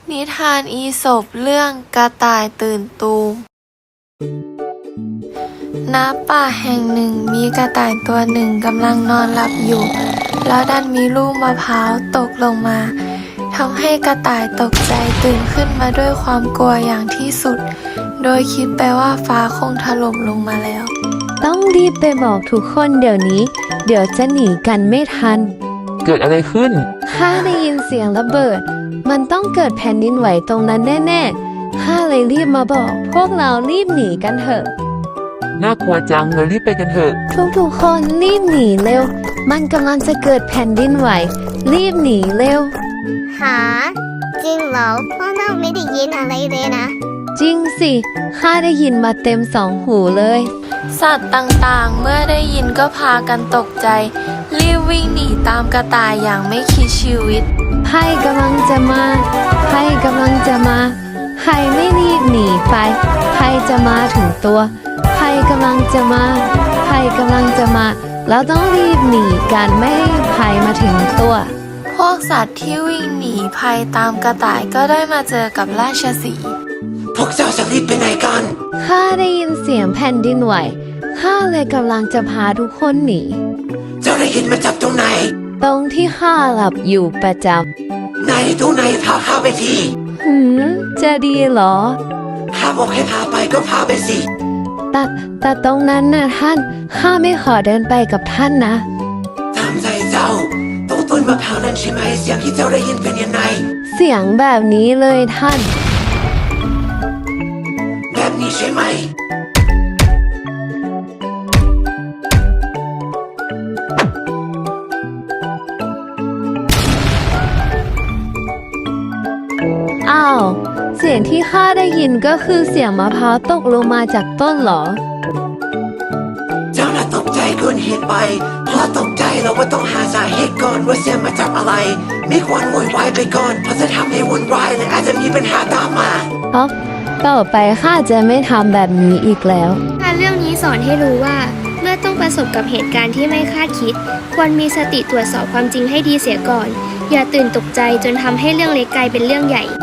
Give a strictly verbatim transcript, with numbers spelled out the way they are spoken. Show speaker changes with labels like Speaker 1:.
Speaker 1: นิทานอีสปเรื่องกระต่ายตื่นตูม ณ ป่าแห่งหนึ่งมีกระต่ายตัวหนึ่งกำลังนอนหลับอยู่ แล้วดันมีลูกมะพร้าวตกลงมาทำให้กระต่ายตกใจตื่นขึ้นมาด้วยความกลัวอย่างที่สุด โดยคิดไปว่าฟ้าคงถล่มลงมาแล้ว
Speaker 2: ต้องรีบไปบอกทุกคนเดี๋ยวนี้ เดี๋ยวจะหนีกันไม่ทัน
Speaker 3: เกิดอะไรขึ้น
Speaker 2: ข้าได้ยินเสียงระเบิด มันต้องเกิดแผ่นดินไหวตรงนั้นแน่ๆ ข้าเลยรีบมาบอก พวกเรารีบหนีกันเถอะ
Speaker 3: น่ากลัวจังเรารีบไปกันเถอะ
Speaker 2: ทุกๆคนรีบหนีเร็ว มันกำลังจะเกิดแผ่นดินไหว รีบหนีเร็ว
Speaker 4: หาจริงเหรอพวกเราไม่ได้ยินอะไรเลยนะ
Speaker 2: จริงสิ ข้าได้ยินมาเต็มสองหูเลย
Speaker 1: สัตว์ต่างๆ เมื่อได้ยินก็พากันตกใจ รีบวิ่งหนีตามกระต่ายอย่างไม่คิดชีวิต
Speaker 2: ภัยกำลังจะมา ภัยกำลังจะมา ใครไม่รีบหนีไป ภัยจะมาถึงตัว ภัยกำลังจะมา ภัยกำลังจะมา แล้วต้องรีบหนีกันไม่ให้ภัยมาถึงตัว
Speaker 1: พวกสัตว์ที่วิ่งหนีภัยตามกระต่ายก็ได้มาเจอกับราชสีห์
Speaker 5: พวกเจ้าจะรีบไปไหนกัน
Speaker 2: ข้าได้ยินเสียงแผ่นดินไหว ข้าเลยกำลังจะพาทุกคนหนี
Speaker 5: เจ้าได้ยินมาจากตรงไหน
Speaker 2: ตรงที่ข้าหลับอยู่ประจ
Speaker 5: ไหนตรงไหนพาข้าไปที
Speaker 2: ำหืมจะดีเหรอ
Speaker 5: ข้าบอกให้พาไปก็พาไปสิ
Speaker 2: แต่แต่ตรงนั้นน่ะท่าน ข้าไม่ขอเดินไปกับท่านนะ
Speaker 5: ตามใจเจ้าตรงต้นมะพร้าวนั่นใช่ไหมเสียงที่เจ้าได้ยินเป็นยังไง
Speaker 2: เสียงแบบนี้เลยท่าน
Speaker 5: แบบนี้ใช่ไหม
Speaker 2: อ้าว เสียงที่ข้าได้ยินก็คือเสียงมะพร้าวตกลงมาจากต้นเหรอ
Speaker 5: เจ้าน่ะตกใจเกินเหตุไปพอตกใจเราก็ต้องหาสาเหตุก่อนว่าเสียงมาจากอะไร ไม่ควรโวยวายไปก่อนเพราะจะทำให้วุ่นวายและอาจจะมีปัญหาตามมา
Speaker 2: เพราะต่อไปข้าจะไม่ทำแบบนี้อีกแล้ว
Speaker 6: การเรื่องนี้สอนให้รู้ว่า เมื่อต้องประสบกับเหตุการณ์ที่ไม่คาดคิด ควรมีสติตรวจสอบความจริงให้ดีเสียก่อน อย่าตื่นตกใจจนทำให้เรื่องเล็กกลายเป็นเรื่องใหญ่